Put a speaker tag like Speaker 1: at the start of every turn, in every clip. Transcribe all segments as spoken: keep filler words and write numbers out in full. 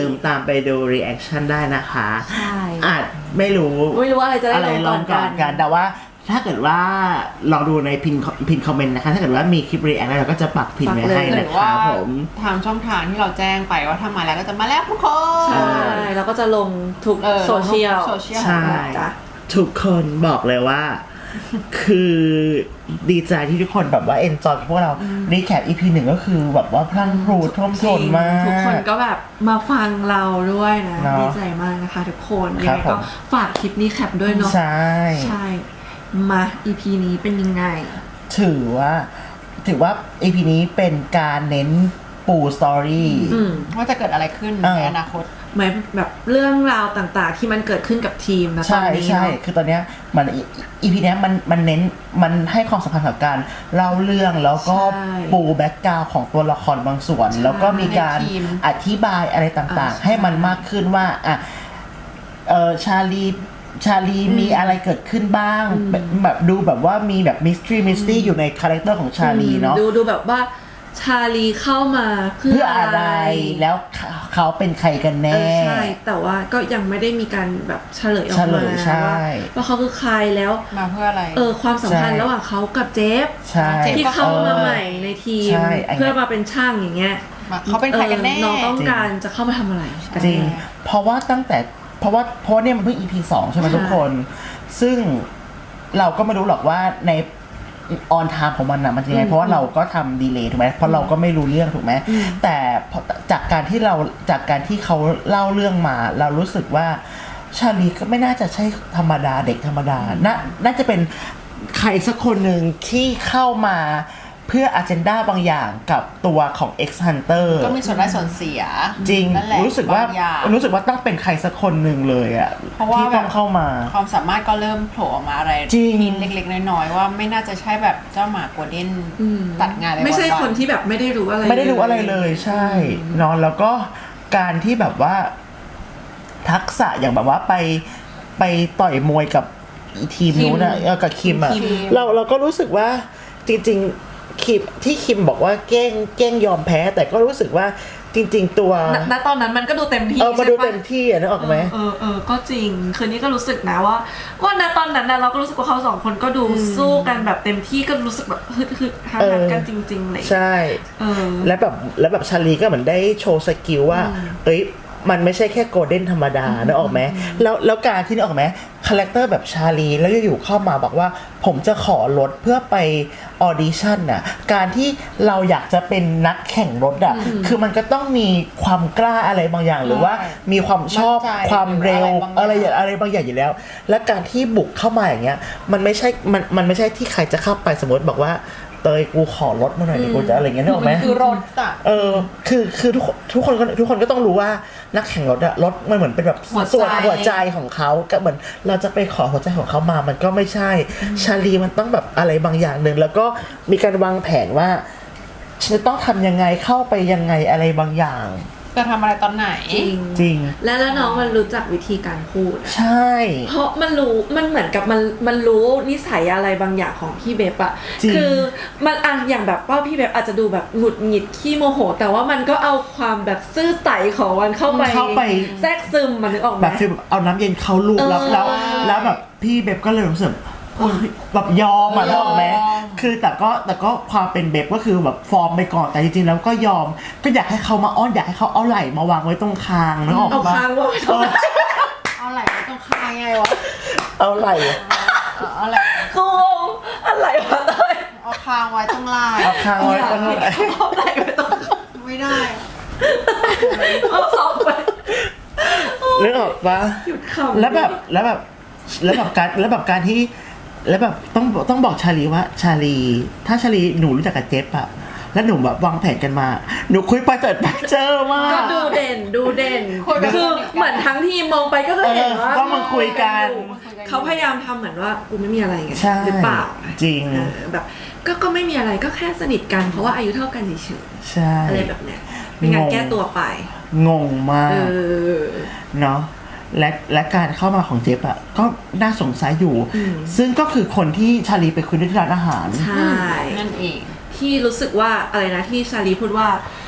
Speaker 1: มตามไปดู reaction ได้นะคะ
Speaker 2: ใช่
Speaker 1: อาจไม่รู้
Speaker 2: ไม่รู้ว่าอะไรจะได้
Speaker 1: ลงก่อนกันแต่ว่าถ้าเกิดว่าลองดูในพินพินคอมเมนต์นะคะถ้าเกิดว่ามีคลิป react เราก็จะปักพินไว้ให้นะคะผม
Speaker 3: ทางช่องทางที่เราแจ้งไปว่าถ้ามาแล้วก็จะมาแล้วทุกคน
Speaker 2: ใช่แล้วก็จะลงทุกโซเชียล
Speaker 1: ใช่ทุกคนบอกเลยว่าคือดีใจที่ทุกคนแบบว่าเอนจอยพวกเรารีแคป อี พี หนึ่งก็คือแบบว่าพลังพรูท่วมท้นมาก
Speaker 2: ทุกคนก็แบบมาฟังเราด้วยนะดีใจมากนะคะทุกคนยังไงก็ฝากคลิปนี้แคปด้วยเนาะ
Speaker 1: ใช่
Speaker 2: ใช่มา อี พี นี้เป็นยังไง
Speaker 1: ถือว่าถือว่า อี พี นี้เป็นการเน้นปูสตอรี่
Speaker 3: ว่าจะเกิดอะไรขึ้นในอนาคต
Speaker 2: เหมือนแบบเรื่องราวต่างๆที่มันเกิดขึ้นกับทีมนะตอนนี้
Speaker 1: ใช่ใช่คือตอนเนี้ยมัน อี พี เนี้ยมันมันเน้นมันให้ความสำคัญกับการเล่าเรื่องแล้วก็ปูแบ็กกราวด์ของตัวละครบางส่วนแล้วก็มีการอธิบายอะไรต่างๆให้มันมากขึ้นว่าอ่ะเออชาลีชาลีมีอะไรเกิดขึ้นบ้างแบบดูแบบว่ามีแบบมิสทรีมิสตี้อยู่ในคาแรคเตอร์ของชาลีเนาะ
Speaker 2: ดูดูแบบว่าชาลีเข้ามาเพื่ออะไร
Speaker 1: แล้วเขาเป็นใครกันแน่
Speaker 2: ใช่แต่ว่าก็ยังไม่ได้มีการแบบเฉลยออกมาว่าว่าเขาคือใครแล้ว
Speaker 3: มาเพื่ออะไร
Speaker 2: เออความสัมพันธ์ระหว่างเขากับเจฟที่เข้ามาใหม่ในทีมเพื่อมาเป็นช่างอย่างเงี้ย
Speaker 3: เขาเป็นใครกันแน่
Speaker 2: น้องต้องการจะเข้ามาทำอะไร
Speaker 1: จริงเพราะว่าตั้งแต่เพราะว่าเพราะเนี่ยมันเพิ่ง อี พี สองใช่ไหมทุกคนซึ่งเราก็ไม่รู้หรอกว่าในออนไทม์ของมันนะมันยังไงเพราะว่าเราก็ทำดีเลย์ถูกไหมเพราะเราก็ไม่รู้เรื่องถูกไหมแต่จากการที่เราจากการที่เขาเล่าเรื่องมาเรารู้สึกว่าชาลีก็ไม่น่าจะใช่ธรรมดาเด็กธรรมดาน่าน่าจะเป็นใครสักคนหนึ่งที่เข้ามาเพื่อ agenda บางอย่างกับตัวของ X Hunter
Speaker 3: ก็มีส่วนได้ส่วนเสีย
Speaker 1: จริงรู้สึกว่ารู้สึกว่าต้องเป็นใครสักคนหนึ่งเลยอ่ะที่ต้องเข้ามา
Speaker 3: ความสามารถก็เริ่มโผล่ออกมาอะไรนิดเล็กๆน้อยๆว่าไม่น่าจะใช่แบบเจ้าหมาโกลเด้นตัดงานอะไร
Speaker 2: ไม่ใช่คนที่แบบไม่ได้รู้อะไร
Speaker 1: ไม่ได้รู้อะไรเลยใช่นอนแล้วก็การที่แบบว่าทักษะอย่างแบบว่าไปไปต่อยมวยกับทีมนู้นนะกับคิมอ่ะเราเราก็รู้สึกว่าจริงๆคิมที่คิมบอกว่าเก้งเก้งยอมแพ้แต่ก็รู้สึกว่าจริงๆตัว
Speaker 2: ณตอนนั้นมันก็ดูเต็มที่
Speaker 1: เออมาดูเต็มที่อ่ะนึกออกไหม
Speaker 2: เออเออก็จริงคืนนี้ก็รู้สึกนะว่าว่าณตอนนั้นนะเราก็รู้สึกว่าเขาสองคนก็ดูสู้กันแบบเต็มที่ก็รู้สึกแบบฮึดฮึดฮันกันจริงๆเลย
Speaker 1: ใช่
Speaker 2: เออ
Speaker 1: แล้วแบบแล้วแบบชาลีก็เหมือนได้โชว์สกิลว่าเอ้ยมันไม่ใช่แค่โกลเด้นธรรมดานึกออกไหมแล้วแล้วการที่นึกออกไหมคาแรคเตอร์แบบชาลีแล้วอยู่ๆเข้ามาบอกว่าผมจะขอรถเพื่อไปออดิชั่นน่ะการที่เราอยากจะเป็นนักแข่งรถอ่ะคือมันก็ต้องมีความกล้าอะไรบางอย่างหรือว่ามีความชอบความเร็วอะไรอย่างอะไรบางอย่างอยู่แล้วและการที่บุกเข้ามาอย่างเงี้ยมันไม่ใช่มันมันไม่ใช่ที่ใครจะเข้าไปสมมติบอกว่าเตยกูขอรถมาหน่อยดิกูจะอะไรเงี้ยนึกออกไหม
Speaker 3: คือรถอ่ะ
Speaker 1: เออคือคือทุกทุกคนทุกคนก็ต้องรู้ว่านักแข่งรถอะรถมันเหมือนเป็นแบบส่วนหัวใจของเขาก็เหมือนเราจะไปขอหัวใจของเขามามันก็ไม่ใช่ชาลีมันต้องแบบอะไรบางอย่างหนึ่งแล้วก็มีการวางแผนว่าฉันจะต้องทำยังไงเข้าไปยังไงอะไรบางอย่าง
Speaker 3: จะทำอะไรตอนไหน
Speaker 2: จริง
Speaker 1: จริง
Speaker 2: และแล้วน้องมันรู้จักวิธีการพูด
Speaker 1: ใช่
Speaker 2: เพราะมันรู้มันเหมือนกับมันมันรู้นิสัยอะไรบางอย่างของพี่เบฟอะคือมันอ่ะอย่างแบบว่าพี่เบฟอาจจะดูแบบหงุดหงิดขี้โมโหแต่ว่ามันก็เอาความแบบซื่อใสของมันเข้าไป
Speaker 1: เข้าไป
Speaker 2: แทรกซึมมันนึกออกไหม
Speaker 1: แบบคือเอาน้ำเย็นเข้าลูกแล้วแล้วแล้วแบบพี่เบฟก็เลยรู้สึกแบบยอมอ่ะนึกออกไหมคือแต่ก็แต่ก็ความเป็นเบฟก็คือแบบฟอร์มไปก่อนแต่จริงๆแล้วก็ยอมก็อยากให้เขามาอ้อนอยากให้เขาเอาไหล่มาวางไว้ตรงคางนึกออกปะ
Speaker 2: เอาคางวางไว้ตรง
Speaker 3: เอาไหล่ไว้ตรงคางไงวะ
Speaker 1: เอาไหล่
Speaker 3: เอาไหล่
Speaker 2: กูงอะไรวะเลย
Speaker 3: เอาคางไว้ตรงไหล่
Speaker 1: เอาคางไว้ตรงไหล่
Speaker 2: เอาไหล่ไว้ตรง
Speaker 3: ไม่ได้
Speaker 2: เอาซอกไป
Speaker 1: นึกออกปะแล้วแบบแล้วแบบแล้วแบบการแล้วแบบการที่แล้วแบบต้องต้องบอกชาลีว่าชาลีถ้าชาลีหนูรู้จักกับเจฟอะแล้วหนูแบบวางแผนกันมาหนูคุยไปเจอไปเจอมาก
Speaker 2: ก็ดูเด่นดูเด่นคือเหมือนทั้งทีมมองไปก็จะเห็นว่า
Speaker 1: ก็มาคุยกัน
Speaker 2: เขาพยายามทำเหมือนว่ากูไม่มีอะไรไงหรือเปล่า
Speaker 1: จริง
Speaker 2: แบบก็ก็ไม่มีอะไรก็แค่สนิทกันเพราะว่าอายุเท่ากันเฉย
Speaker 1: ๆใช่
Speaker 2: อะไรแบบเนี้ยเป็นการแก้ตัวไป
Speaker 1: งงมากเนาะและและการเข้ามาของเจฟอะก็น่าสงสัยอยู่ซึ่งก็คือคนที่ชาลีไปคุยด้วยที่ร้านอาหาร
Speaker 2: ใช่
Speaker 3: นั่นเอง
Speaker 2: ที่รู้สึกว่าอะไรนะที่ชาลีพูดว่าฝ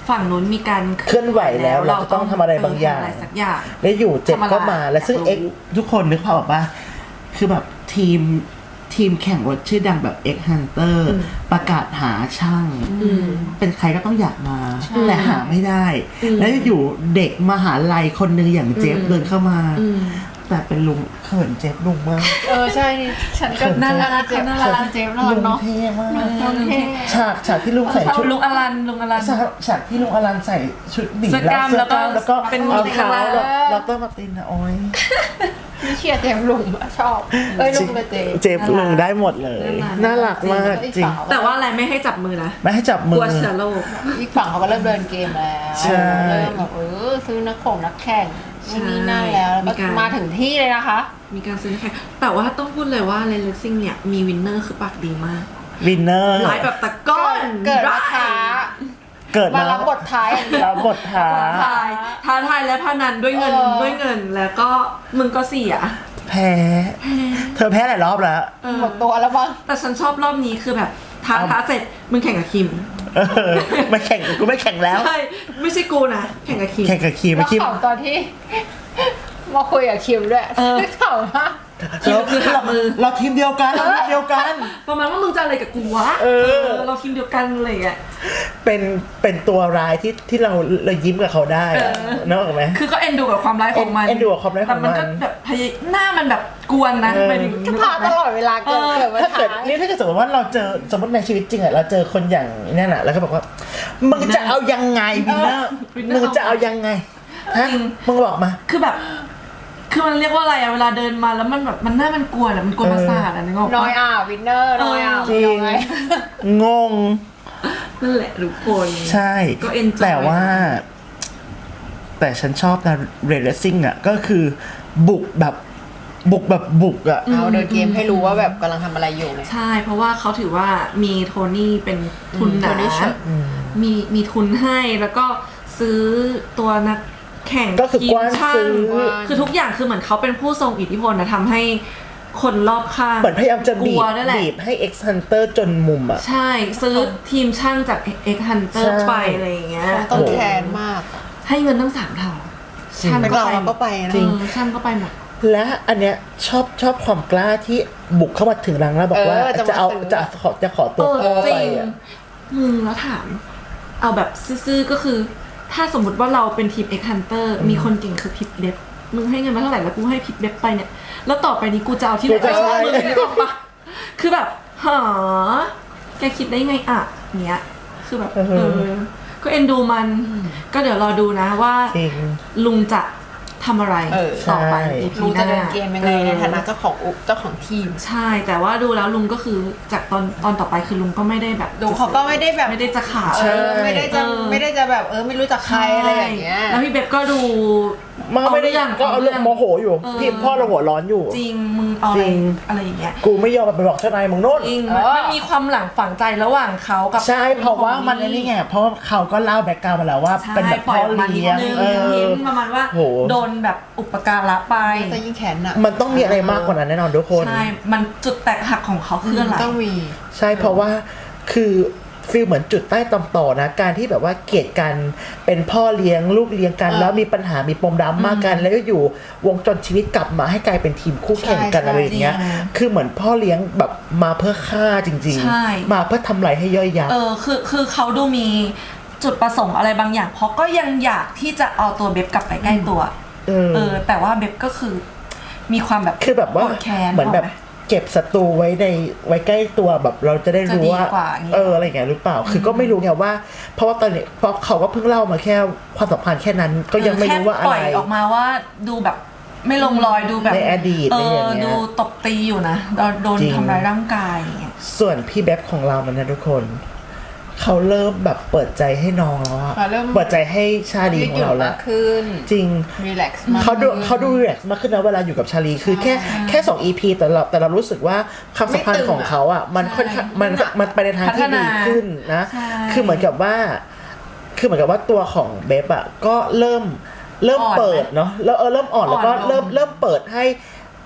Speaker 2: ฝั่งนู้นมีการ
Speaker 1: เคลื่อนไหวแล้วเราจะต้องทำอะไรบางอย่าง
Speaker 2: อะไรสักอย่าง
Speaker 1: แล้วอยู่เจ็ดก็มา
Speaker 2: ทำอะไร
Speaker 1: และซึ่ง
Speaker 2: อยากรู้
Speaker 1: เอ็กทุกคนนึกภาพออกปะคือแบบทีมทีมแข่งรถชื่อดังแบบ X Hunter ประกาศหาช่าง เป็นใครก็ต้องอยากมา แต่หาไม่ได้ แล้วอยู่เด็กมหาลัยคนหนึ่งอย่างเจฟเดินเข้ามา แต่เป็นลุงเขินเจฟลุงมาก
Speaker 3: เออใช่ฉันก็
Speaker 2: น่ารัก
Speaker 3: เจฟ
Speaker 2: น่า
Speaker 3: น่า
Speaker 2: รั
Speaker 3: รั
Speaker 2: ก
Speaker 3: กเจฟน่ารั
Speaker 1: ลุ
Speaker 3: ก
Speaker 1: ง
Speaker 3: เนาะ
Speaker 1: เท่มาก
Speaker 3: ลุงเท่
Speaker 1: ฉากฉากที่ลุงใส่
Speaker 2: ชอบ
Speaker 1: ชุด
Speaker 2: ลุงอลันลุงอลัน
Speaker 1: ฉากฉากที่ลุงอลันใส่ชุดหมี
Speaker 2: เสื้อกล้าม
Speaker 1: เสื้อกล้าม
Speaker 2: แล้
Speaker 1: แล้ว ว
Speaker 2: ก็
Speaker 1: ก็
Speaker 2: เป็น
Speaker 1: เอา
Speaker 2: มี
Speaker 1: เท้า
Speaker 2: ข้างล่าง
Speaker 1: แล้วแล้วก็มาตินนะโอ้ย
Speaker 3: นี่เชียร์เจฟลุงอะชอบเอ้ยลุงกับเจฟ
Speaker 1: เจฟลุงได้หมดเลย น่ารักมากจริง
Speaker 2: แต่ว่าอะไรไม่ให้จับมือนะ
Speaker 1: ไม่ให้จับ
Speaker 2: ก
Speaker 1: มื
Speaker 2: ลั
Speaker 1: อ
Speaker 2: วเชื้อโรค
Speaker 3: อีกฝั่งเขาก็เริ่มเดินเกมแล้ว
Speaker 1: ใช่
Speaker 3: เริ่มแบบเออซื้อนักข่งนักแข่งนู่นนี่นั่นแล้วแล้ว
Speaker 2: มี
Speaker 3: ก็
Speaker 2: การ
Speaker 3: มาถึงที่เลยนะคะ
Speaker 2: มีการซื้อแข่งแต่ว่าต้องพูดเลยว่าเลนเลสซิ่งเนี่ยมีวินเนอร์คือปากดีมาก
Speaker 1: วินเนอร์
Speaker 2: ไลฟ์แบบตะก้อน
Speaker 3: เกิดมาท้า
Speaker 1: เกิด
Speaker 3: มา
Speaker 1: มา
Speaker 3: รับบทท้ายอย่างเดียว
Speaker 1: รับบทท้า
Speaker 2: ท้าทายท้าทายและพนันด้วยเงิน
Speaker 3: เออ
Speaker 2: ด้วยเงินแล้วก็มึงก็เสีย
Speaker 1: แพ้ เธอแพ้หลายรอบแล้ว
Speaker 2: เออ
Speaker 3: หมดตัวแล้วบ้าง
Speaker 2: แต่ฉันชอบรอบนี้คือแบบท้าท้าเสร็จมึงแข่งกับคิม
Speaker 1: เออไม่แข่งกูไม่แข่งแล้ว
Speaker 2: ใช่ไม่ใช่กูนะแข่งกับคิม
Speaker 1: แข่งกับคีม
Speaker 3: แล้ว
Speaker 1: คีม
Speaker 3: ข่าวตอนที่ มาคุยกับคิมด้วย
Speaker 2: เออ
Speaker 3: ข่าวว่า
Speaker 2: คิมคือหักมือ
Speaker 1: เราทีมเดียวกันเราทีมเดียวกัน
Speaker 2: ประมาณว่ามึงจะอะไรกับกูวะ
Speaker 1: เออ
Speaker 2: เราทีมเดียวกันอะไรอย่างเงี้ย
Speaker 1: เป็นเป็นตัวร้ายที่ที่เราเรายิ้มกับเขาได้อะ
Speaker 2: เออ
Speaker 1: นึกออกไหม
Speaker 2: คือก็เอ็นดูกับความร้ายของมัน
Speaker 1: เอ็นดูกับความร้ายของมัน
Speaker 2: แต่มันก็แบบพยายหน้ามันแบบกวนนะ
Speaker 1: เออ
Speaker 2: ไปถึง
Speaker 3: จะพาตลอดเวลาเกิด
Speaker 2: เออ
Speaker 3: เกิดมา
Speaker 1: ถ้าเกิด
Speaker 3: ท้าย
Speaker 1: นี่ถ้าเกิดสมมติว่าเราเจอสมมติในชีวิตจริงอะเราเจอคนอย่างนั่นอะแล้วก็บอกว่ามึงจะเอายังไงวินเนอร์มึงจะเอายังไงฮะมึงบอกมา
Speaker 2: คือแบบ คือมันเรียกว่าอะไรอะเวลาเดินมาแล้วมันแบบมันหน้ามันกวนอะมันกวนประสาทอะนึกออก
Speaker 3: น้
Speaker 2: ปะ
Speaker 3: อยอ่ะวินเนอร์น้อยอ่ะ
Speaker 1: จริง
Speaker 3: น้อย
Speaker 1: งง
Speaker 2: นั่นแหละทุกคน
Speaker 1: ใช่
Speaker 2: ก็ enjoy
Speaker 1: แต่ว่า แต่ฉันชอบนะเรดซิ่งอ่ะก็คือบุกแบบบุกแบบบุกอ่ะ
Speaker 3: เอาเดินเกมให้รู้ว่าแบบกำลังทำอะไรอยู่ไง
Speaker 2: ใช่เพราะว่าเขาถือว่ามีโทนี่เป็นทุนหนา
Speaker 3: โทนี่เชิญ
Speaker 2: มีมีทุนให้แล้วก็ซื้อตัวนักแข่ง
Speaker 1: ก็คือกว้าน
Speaker 2: ทีมช่าง
Speaker 1: ซื้อ
Speaker 2: คือทุกอย่างคือเหมือนเขาเป็นผู้ทรงอิทธิพลนะทำให้คนรอบข้าง
Speaker 1: เหมือนพยายามจะ
Speaker 2: ก
Speaker 1: บี
Speaker 2: ลั
Speaker 1: บ
Speaker 2: วนั่นแหละ
Speaker 1: บีบให้ X Hunter จนมุมอ่ะ
Speaker 2: ใช่ซื้อทีมช่างจาก X Hunter
Speaker 1: ใช่
Speaker 2: ไปอะไรอย่างเงี้ย
Speaker 3: ต้องแค้นมาก
Speaker 2: ให้เงินตั้งสามเท่าช่าง
Speaker 3: เป็น
Speaker 2: ก็
Speaker 3: เรา
Speaker 2: ไป
Speaker 3: เราก็ไปนะ
Speaker 2: จริงช่างก็ไปหมด
Speaker 1: และอันเนี้ยชอบชอบความกล้าที่บุกเข้ามาถึงรังแล้วบอกว่า
Speaker 3: เออจะมา
Speaker 1: จะเอา
Speaker 3: ซื้อ
Speaker 1: จะขอจะขอตัว
Speaker 2: เออ
Speaker 1: พ่อ
Speaker 2: จ
Speaker 1: ไป
Speaker 2: ริง
Speaker 1: อ่ะ
Speaker 2: มึงแล้วถาม เอาแบบซื่อๆก็คือ ถ้าสมมติว่าเราเป็นทีม X Hunter มีคนเก่งคือพิปเด็บมึงให้เงินมาเท่าไหร่แล้วกูให้พิปเด็บไปเนี่ย แล้วต่อไปนี้กูจะเอาที่ไหนไปชอบมึงนึกออกปะคือแบบหาแกคิดได้ไงอ่ะเนี้ย คือแบบ
Speaker 1: เออ
Speaker 2: เออ ก็เอ็นดูมัน ก็เดี๋ยวรอดูนะว่า
Speaker 1: จริง
Speaker 2: ลุงจะทำอะไร
Speaker 3: เออ
Speaker 2: ต่อไป
Speaker 1: ใช่
Speaker 2: อีพี
Speaker 3: รู้
Speaker 2: ห
Speaker 3: จะ
Speaker 2: น้า
Speaker 3: เดินเกมยังไงในฐานะเจ้าของอุเจ้าของทีม
Speaker 2: ใช่ แต่ว่าดูแล้วลุงก็คือจากตอนตอนต่อไปคือลุงก็ไม่ได้แบบ
Speaker 3: ดูเขาก็ไม่ได้แบบ
Speaker 2: ไม่ได้จะขาด
Speaker 3: เออไม่ได้จะ
Speaker 2: เออ
Speaker 3: ไม่ได้จะแบบเออไม่รู้จักใครอะไรอย่างเงี้ย
Speaker 2: แล้วพี่เบบก็ดู
Speaker 1: มันก็ไม่ได้ก็เอาเรื่องโมโหอยู่
Speaker 2: เออ
Speaker 1: พี่พ่อเราหัวร้อนอยู่
Speaker 2: จริงมึงเอาอะ
Speaker 1: จ
Speaker 2: ไร
Speaker 1: ริง
Speaker 2: อะไรอย่างเงี้ย
Speaker 1: กูไม่ยอมไปบอกเจ้านายมึงโน่น
Speaker 2: จริง
Speaker 3: เออ
Speaker 2: มันมีความหลังฝังใจระหว่างเขากับ
Speaker 1: ใช่เพราะว่ามันอันนี่ไงเพราะว่าเขาก็เล่าแบ็กกราวด์มาแล้วว่า
Speaker 2: ใช่
Speaker 1: เป็นแบบ
Speaker 2: ปล่
Speaker 1: พ่
Speaker 2: อย
Speaker 1: อ
Speaker 2: ออกมานิด
Speaker 1: เลี้ยง
Speaker 2: นึง
Speaker 1: เออ
Speaker 2: เห็นประมาณว่า
Speaker 1: โห
Speaker 2: โดนแบบอุปการะไป
Speaker 3: จะยิ่งแขนหนัก
Speaker 1: มันต้องมีอะไรมากกว่านั้นแน่นอนทุกคน
Speaker 2: ใช่ มันจุดแตกหักของเขาคืออะไร
Speaker 3: ต้องมี
Speaker 1: ใช่เพราะว่าคือฟีลเหมือนจุดใต้ตำต่อนะการที่แบบว่าเกลียดกันเป็นพ่อเลี้ยงลูกเลี้ยงกัน
Speaker 3: เออ
Speaker 1: แล้วมีปัญหามีปมดราม่ากัน แล้วก็อยู่วงจรชีวิตกลับมาให้กลายเป็นทีมคู่แข่งกัน
Speaker 3: ใช่
Speaker 1: อะไรอย่างเงี้ย
Speaker 2: จริง
Speaker 1: คือเหมือนพ่อเลี้ยงแบบมาเพื่อฆ่าจริง
Speaker 2: ใช่
Speaker 1: ๆ มาเพื่อทำลายให้ย่อยยับ
Speaker 2: เออคือคือเขาดูมีจุดประสงค์อะไรบางอย่าง เพราะก็ยังอยากที่จะเอาตัวเบบกลับไปใกล้ตัว
Speaker 1: เออ
Speaker 2: เออ แต่ว่าเบบก็คือมีความแบบ
Speaker 1: คือแบบว่า
Speaker 2: โกรธแค้น
Speaker 1: เหมือนแบบ
Speaker 2: กไห
Speaker 1: เก็บศัตรูไว้ในไว้ใกล้ตัวแบบเราจะได้รู้ว่า
Speaker 2: จะดีกว่าอย่างเงี้ย
Speaker 1: เอออะไรอย่างเงี้ยหรือเปล่า คือก็ไม่รู้ไงว่า เพราะว่าตอนนี้เพราะเขาก็เพิ่งเล่ามาแค่ความสัมพันธ์แค่นั้นก็ยังไม่รู้ว่าอะ
Speaker 2: แค่ป
Speaker 1: ไร
Speaker 2: ล่อยออกมาว่าดูแบบไม่ลงรอยดูแบบ
Speaker 1: ในอดีต
Speaker 2: เอ
Speaker 1: ในอย่าง
Speaker 2: อ
Speaker 1: เงี้ย
Speaker 2: ดูตบตีอยู่นะโดนโดน
Speaker 1: จริง
Speaker 2: ทำร้ายร่างกายอย่างเงี้ย
Speaker 1: ส่วนพี่แบ๊บของเรามันนะทุกคน เขาเริ่มแบบเปิดใจให้น้องแล้วอะ
Speaker 3: เขาเริ่ม
Speaker 1: เปิดใจให้ชาลี
Speaker 3: ยืด
Speaker 1: ขอ
Speaker 3: ห
Speaker 1: ง
Speaker 3: ยุ่น
Speaker 1: เรา
Speaker 3: มา
Speaker 1: ละ
Speaker 3: กขึ้น
Speaker 1: จริง
Speaker 3: รีแลกซ์มาก
Speaker 1: เขาดู
Speaker 3: ขึ้น
Speaker 1: เขาดูรีแลกซ์มากขึ้นนะเวลาอยู่กับชาลีคือแค่แค่สอง อี พี แต่เราแต่เรารู้สึกว่าความสัมพันธ์ของเขาอ่ะมันค่อนข้างมันมันไปในทางที่ดีขึ้นนะ
Speaker 2: ใช่
Speaker 1: คือเหมือนกับว่า คือเหมือนกับว่าตัวของเบฟอ่ะก็เริ่มเริ่ม
Speaker 2: อ่อนไหม
Speaker 1: เปิดเนาะแล้วเออเริ่มอ่อนแล้วก็
Speaker 2: อ่อนลง
Speaker 1: เริ่มเริ่มเปิดให้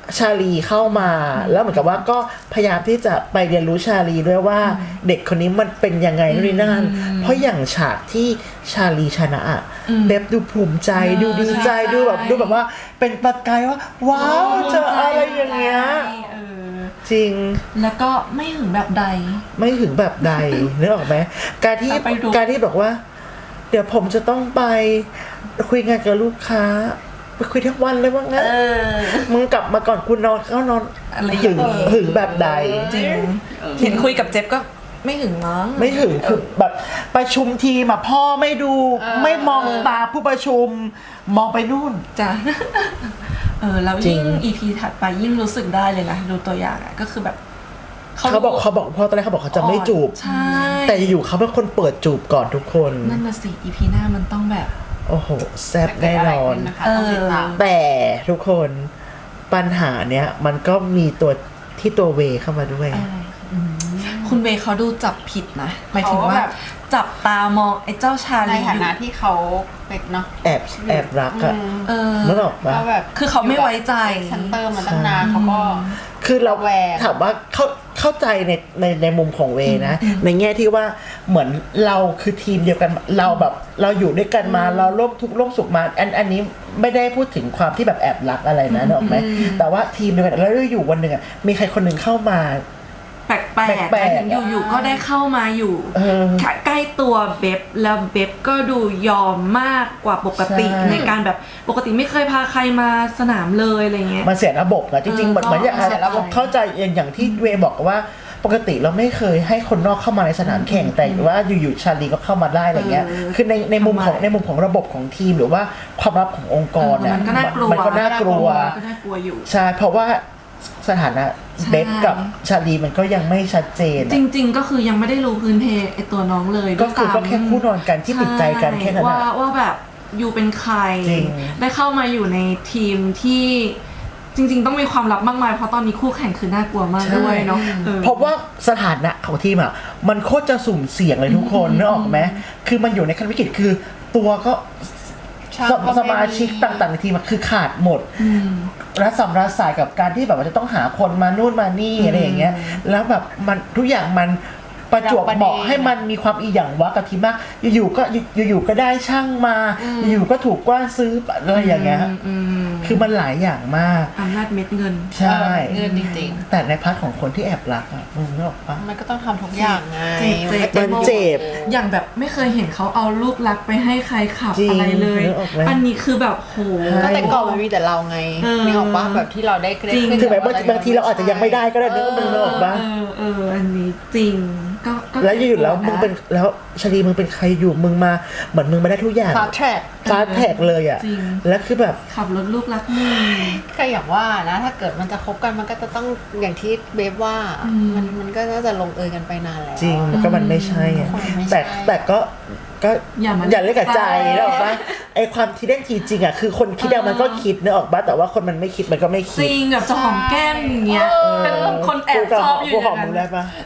Speaker 1: ชาลีเข้ามาแล้วเหมือนกับว่าก็พยายามที่จะไปเรียนรู้ชาลีด้วยว่าเด็กคนนี้มันเป็นยังไงนู่นนี่นั่นเพราะอย่างฉากที่ชาลีชนะอะเบบดูภูมิใจดูดีใจดูแบบดูแบบว่าเป็นประกายว่าว้าวเจออะไรอย่างเงี้ย
Speaker 2: เออ
Speaker 1: จริง
Speaker 2: แล้วก็ไม่หึงแบบใด
Speaker 1: ไม่ถึงแบบใด นึกออกไหมการที่
Speaker 2: ไปดู
Speaker 1: การที่บอกว่า เดี๋ยวผมจะต้องไปคุยงานกับลูกค้าไปคุยทั้งวันเลยว่างั้น
Speaker 2: เออ
Speaker 1: มึงกลับมาก่อนกูนอนก็นอน
Speaker 2: อะไรอย่าง
Speaker 1: หึง
Speaker 2: เงี้ย
Speaker 1: หึงแบบใด
Speaker 2: จริงเห็นคุยกับเจฟก็ไม่หึงมั้ง
Speaker 1: ไม่ถึงคือแบบประชุมทีมอะพ่อไม่ดูไม่มองตาผู้ประชุมมองไปนู่น
Speaker 2: จ้ะ เออแล้ว
Speaker 1: จริ
Speaker 2: ยิ่
Speaker 1: ง
Speaker 2: ง อี พี ถัดไปยิ่งรู้สึกได้เลยนะดูตัวอย่างอะก็คือแบบ
Speaker 1: เขาบอกเขาบอกพ่อตอนแรกเขาบอกเขาจะไม่จูบ
Speaker 2: ใช่
Speaker 1: แต่อยู่ๆเขาเป็นคนเปิดจูบก่อนทุกคน
Speaker 2: นั่นน่ะสิ อี พี หน้ามันต้องแบบ
Speaker 1: โอ้โหแซ่บแน่นอน
Speaker 3: นะคะต้องติดตาม
Speaker 1: แต่ทุกคนปัญหาเนี้ยมันก็มีตัวที่ตัวเวเข้ามาด้วย
Speaker 2: อะไรอืมคุณเวย์เขาดูจับผิดนะหมายถึง
Speaker 3: เขา
Speaker 2: ว่า
Speaker 3: แบบ
Speaker 2: จับตามองไอ้เจ้าชา
Speaker 3: ใน
Speaker 2: ลี
Speaker 3: ฐา
Speaker 2: อยู่
Speaker 3: นะที่เขาเป็นเนาะ
Speaker 1: แอบแอบรักอะ
Speaker 3: อืม
Speaker 2: เออ
Speaker 1: นึกออกปะ
Speaker 3: ก็แบบ
Speaker 2: คือเขาไม่ไว้ใจ
Speaker 3: เซนเตอร์มาตั้งนานเขาก็
Speaker 1: คือเรา
Speaker 3: ระแวง
Speaker 1: ถามว่าเข้าเข้าใจในในในมุมของเวนะ ในแง่ที่ว่าเหมือนเราคือทีมเดียวกันเราแบบเราอยู่ด้วยกันมาเราร่วมทุกข์ร่วมสุขมาอันอันนี้ไม่ได้พูดถึงความที่แบบแอบรักอะไรนะนึกออกไหมแต่ว่าทีมเดียวกันแล้วอยู่วันหนึ่งอะมีใครคนหนึ่งเข้ามา
Speaker 2: แปลกๆ
Speaker 1: แป
Speaker 2: ห
Speaker 1: ล
Speaker 2: มาย
Speaker 1: กๆ
Speaker 2: ถึงอยู่ๆก็ได้เข้ามาอยู่
Speaker 1: เออ
Speaker 2: ใกล้ตัวเบบแล้วเบบก็ดูยอมมากกว่าปกติ
Speaker 1: ใช่
Speaker 2: ในการแบบปกติไม่เคยพาใครมาสนามเลยอะไรเงี้ย
Speaker 1: มันเสียระบบนะจริงๆเหมือนเหมือนอย่าง
Speaker 2: ก็เสียระบบ
Speaker 1: เข้าใจอย่างอย่างที่เวบอกว่าปกติเราไม่เคยให้คนนอกเข้ามาในสนามแข่งแต่ว่าอยู่ๆชาลีก็เข้ามาได้อะไรเงี้ย
Speaker 2: เออ
Speaker 1: คือในในมุมของ
Speaker 2: ทำไม
Speaker 1: ในมุมของระบบของทีมหรือว่าความลับขององค์กรเนี่ย
Speaker 2: มันก็น่ากลัว
Speaker 1: มันก็น่ากลัว
Speaker 2: ก็น่ากลัวอยู่
Speaker 1: ใช่เพราะว่าสถานะ
Speaker 2: ใช่
Speaker 1: เบฟกับชาลีมันก็ยังไม่ชัดเจน
Speaker 2: จริง ๆ ก็คือยังไม่ได้รู้พื้นเพไอตัวน้องเลย
Speaker 1: ก็คือ
Speaker 2: ด้วย
Speaker 1: ก็
Speaker 2: ซ้ำ
Speaker 1: แค่คู่นอนกันที่ติดใจกันแค่นั้น
Speaker 2: ว่า
Speaker 1: อะ
Speaker 2: ว่าแบบอยู่เป็นใคร
Speaker 1: จริง
Speaker 2: ได้เข้ามาอยู่ในทีมที่จริง ๆ ต้องมีความลับมากมายเพราะตอนนี้คู่แข่งคือน่ากลัวมากด้วยเนาะออ
Speaker 1: เพราะว่าสถานะของทีมอ่ะมันโคตรจะสุ่มเสี่ยงเลยทุกคนนึกออกไหมคือมันอยู่ในขั้นวิกฤตคือตัวก็
Speaker 3: ช่าง
Speaker 1: ส
Speaker 3: ก็ไม่มี
Speaker 1: สมาชิกต่างๆในทีมอะคือขาดหมดรัศมรัสสายกับการที่แบบว่าจะต้องหาคนมานู่นมานี่อะไรอย่างเงี้ยแล้วแบบมันทุกอย่างมันประจวบเหมาะให้มันมีความอีหยังวะกับทีมมากอยู่ๆก็อยู่ๆก็ได้ช่างมาอยู่ๆก็ถูกกว้านซื้ออะไรอย่างเงี้ย
Speaker 2: อืม
Speaker 1: คือมันหลายอย่างมาก
Speaker 2: อำนาจเม็ดเงิน
Speaker 1: ใช่
Speaker 3: เงินจริง
Speaker 1: แต่ในพาร์ทของคนที่แอบรักอ่ะมึงนึกออกปะ
Speaker 3: ๆ มันก็ต้องทำทุกอย่างไง
Speaker 2: จริง
Speaker 1: มันเจ็บ
Speaker 2: อย่างแบบไม่เคยเห็นเขาเอาลูกรักไปให้ใครขับ
Speaker 1: จริง
Speaker 2: อะไรเลย
Speaker 1: นึกออกไหม
Speaker 2: อันนี้คือแบบโห
Speaker 3: ก็แต่ก่อนมันมีแต่เราไง
Speaker 2: เออ
Speaker 3: นึกออกปะแบบที่เราได้เกรด
Speaker 2: จริง
Speaker 3: ขึ้น
Speaker 1: คือแบบ
Speaker 3: แต่
Speaker 1: บางบางทีเราอาจจะยังไม่ได้ก็ได้นึกมึงนึกออกปะ
Speaker 2: เออเอออันนี้จริงก็ก็
Speaker 1: แล้วอยู่ๆแล้ว
Speaker 2: จ็บป
Speaker 1: มึง
Speaker 2: ดะ
Speaker 1: เป็นแล้วชลีมึงเป็นใครอยู่มึงมาเหมือนมึงมาได้ทุกอย่าง
Speaker 3: ฟาสแทร็ก
Speaker 1: ฟาสแท็กเลยอ่ะ
Speaker 2: จริง
Speaker 1: แล้วคือแบบ
Speaker 2: ขับรถลูกรักมึง
Speaker 3: ก็อย่างว่านะถ้าเกิดมันจะคบกันมันก็จะต้องอย่างที่เบฟว่า
Speaker 2: อืม
Speaker 3: มันมันก็น่าจะลงเอยกันไปนานแล้ว
Speaker 1: จริงก็มันไม่ใช่อะ
Speaker 3: คนมันไม่ใช่
Speaker 1: แต่แต่ก็ก็
Speaker 2: อย่ามา
Speaker 1: อย่าเล่นกับใจ
Speaker 2: ใจ
Speaker 1: นึกออกปะไอความคิดเล่นทีจริงอ่ะคือคนคิดอะมันก็คิดนึกออกปะแต่ว่าคนมันไม่คิดมันก็ไม่
Speaker 2: จ
Speaker 1: คิด
Speaker 2: ริงแบบจะหอมแก้มอย่างเงี้ยเป็นคนแอบ
Speaker 1: กู
Speaker 2: ชอบอยู่
Speaker 1: กู
Speaker 2: อ
Speaker 1: หอย่าง ม
Speaker 2: นั้
Speaker 1: มึ
Speaker 2: น
Speaker 1: งได้ปะ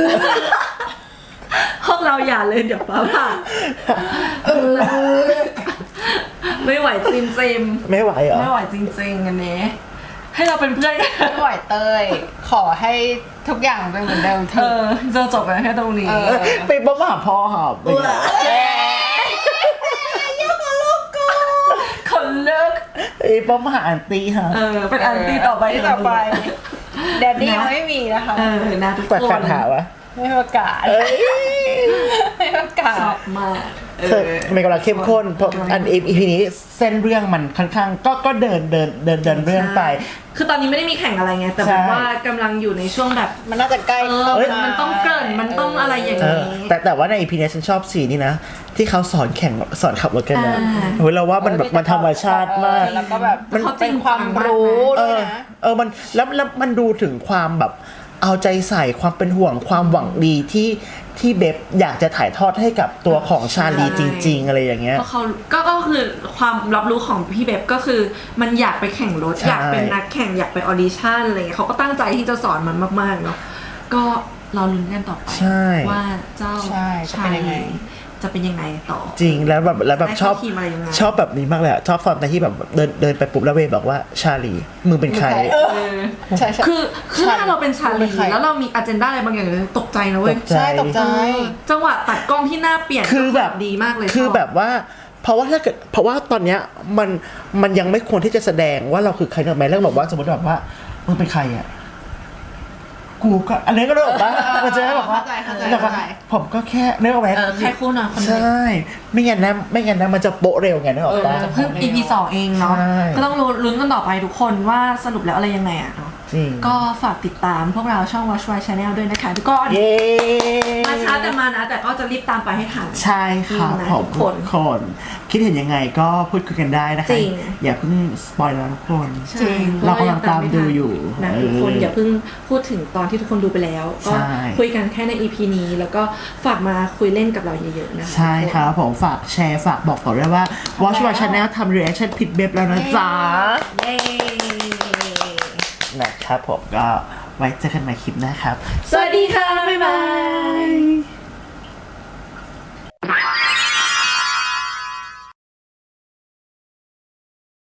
Speaker 2: ห้องเราอย่าเลยเดี๋ยวฟ้าผ่าไม่ไหวจริงจริง
Speaker 1: ไม่ไหวเหรอ
Speaker 2: ไม่ไหวจริงๆอันนี้ให้เราเป็นเพื่อนกัน
Speaker 3: ไม่ไหวเตยขอให้ทุกอย่างเป็นเหมือนเดิมเถ
Speaker 2: เอ
Speaker 3: อะ
Speaker 2: อจะจบกันแค่ตรงนี้
Speaker 3: เออ
Speaker 1: ไปบ้าหาพ่อหาไป
Speaker 2: คนเลิก
Speaker 1: ไอ้บ้าหาอันตีฮะ
Speaker 2: เออเป็นอันตีต่อไป
Speaker 3: นต่อไปแดดดี้ยังไม่มีนะคะ
Speaker 2: เออนะทุก
Speaker 1: ประ
Speaker 2: ค
Speaker 1: กาศ
Speaker 2: น
Speaker 1: หาวะ
Speaker 3: ไม่ประกาศ
Speaker 1: เอ้ย
Speaker 3: ไม่ประกา
Speaker 2: ชอ
Speaker 3: ศ
Speaker 2: บมากเอ
Speaker 1: เธอ
Speaker 2: อ
Speaker 1: มันกำลังเข้มข้นเพราะอันอีพีนี้เส้นเรื่องมันค่อนข้างก็ก็เดินเดินเดินเดินเรื่องไป
Speaker 2: คือตอนนี้ไม่ได้มีแข่งอะไรไงแต่
Speaker 1: ใช่
Speaker 2: แบบว่ากำลังอยู่ในช่วงแบบ
Speaker 3: มันน่าจะใกล้
Speaker 2: เออ
Speaker 3: เข้ามา
Speaker 2: มันต้องเกริ่นมันต้องอะไรอย่าง
Speaker 1: เอ
Speaker 2: นี้
Speaker 1: อแต่แต่ว่าในอีพีนี้ฉันชอบสีนี้นะ ที่เขาสอนแข่งสอนขับรถกันนะ
Speaker 2: อ่า
Speaker 1: เฮ้ยเราว่ามันแบบมันธรรมชาติมาก
Speaker 3: เออแล้วก็แบบ
Speaker 2: มัน
Speaker 3: เป็นความรู้
Speaker 1: เอ
Speaker 3: ด้วย
Speaker 1: อ
Speaker 3: นะ
Speaker 1: เออมันแล้วแล้วมันดูถึงความแบบเอาใจใส่ความเป็นห่วงความหวังดีที่ที่เบบอยากจะถ่ายทอดให้กับตัวของชาลีจริง ๆ อะไรอย่างเงี้ย
Speaker 2: เพราะเขาก็ก็คือความรับรู้ของพี่เบบก็คือมันอยากไปแข่งรถ
Speaker 1: ใช่
Speaker 2: อยากเป็นนักแข่งอยากไปออดิชั่นอะไรเงี้ยเขาก็ตั้งใจที่จะสอนมันมากๆเนาะก็เราลุ้นกันต่อไป
Speaker 1: ใช่
Speaker 2: ว่าเจ้า
Speaker 3: ใช่จะ
Speaker 2: ชา
Speaker 3: เป็นยังไง
Speaker 2: ลีจะเป็นยังไงต่อ
Speaker 1: จริงแล้วแบบแล้วแบบ
Speaker 2: ได้
Speaker 1: ชอบ
Speaker 2: เข้าทีมอะไรยังไง
Speaker 1: ชอบแบบนี้มากเลยอะชอบตอนที่แบบเดินเดินไปปุ๊บแล้วเวย์บอกว่าชาลีมึงเป็นใคร
Speaker 3: เออใช่ใช่
Speaker 2: คือคือถ้าเราเป็นชา
Speaker 3: เป็
Speaker 2: ลี
Speaker 3: นใคร
Speaker 2: แล้วเรามีอ g e n d a อะไรบางอย่างเลยตกใจนะเว้ย
Speaker 1: ตกใจ
Speaker 3: ใช่ตกใจ
Speaker 2: เออจังหวะตัดกล้องที่หน้าเปลี่ยน
Speaker 1: คือแบบ
Speaker 2: ดีมากเลย
Speaker 1: คือ
Speaker 2: ช
Speaker 1: แบบว่าเพราะว่าถ้าเกิดเพราะว่าตอนเนี้ยมันมันยังไม่ควรที่จะแสดงว่าเราคือใครเนอะไหมแล้วแบบว่าสมมติแบบว่ามึงเป็นใครอ่ะกูก็อันนี้ก็ได้บอกว่ามันจะได้บอกว่า
Speaker 3: เข้าใจ
Speaker 1: แบบ
Speaker 3: เข้า
Speaker 1: ว่า
Speaker 3: ใจ
Speaker 1: ผมก็แค่นึกออกไหม
Speaker 2: เออแค่คู่นอนคน
Speaker 1: ใช
Speaker 2: เดียว่
Speaker 1: ไม่งั้นนะไม่งั้นนะมันจะโปะเร็วไงนึกออกปะ
Speaker 3: เออ
Speaker 2: เพิ่ง อี พี สองเองเนาะ
Speaker 1: ใช่
Speaker 2: ก็ต้องลุ้นกันต่อไปทุกคนว่าสรุปแล้วอะไรยังไงอะเนาะ
Speaker 1: จริง
Speaker 2: ก็ฝากติดตามพวกเราช่อง Watch Why Channel ด้วยนะคะทุกคน
Speaker 1: เย้
Speaker 2: มาช้าแต่มานะ แต่ก็จะรีบตามไปให้ทัน
Speaker 1: ใช่ครับ
Speaker 2: จริงนะ
Speaker 1: ผม
Speaker 2: ทุกคน
Speaker 1: ทุกคนคิดเห็นยังไงก็พูดคุยกันได้นะคะ
Speaker 2: จริง
Speaker 1: อย่าเพิ่งสปอยล์นะทุกคน
Speaker 2: ใช่
Speaker 1: เรากำลังตามดูอยู่
Speaker 2: นะทุกคนอย่าเพิ่งพูดถึงตอนที่ทุกคนดูไปแล้ว ก็
Speaker 1: ใช่
Speaker 2: คุยกันแค่ใน อี พี นี้ แล้วก็ฝากมาคุยเล่นกับเราเยอะๆนะคะ
Speaker 1: ใช่ครับผมฝากแชร์ฝากบอกต่อด้วยว่า Watch My Channel ทำ reaction ผิดเบบแล้วนะจ๊ะ
Speaker 2: เย้
Speaker 1: นะครับผมก็ไว้เจอกันใหม่คลิปหน้าครับ
Speaker 2: สวัสดีค่ะ บ๊ายบาย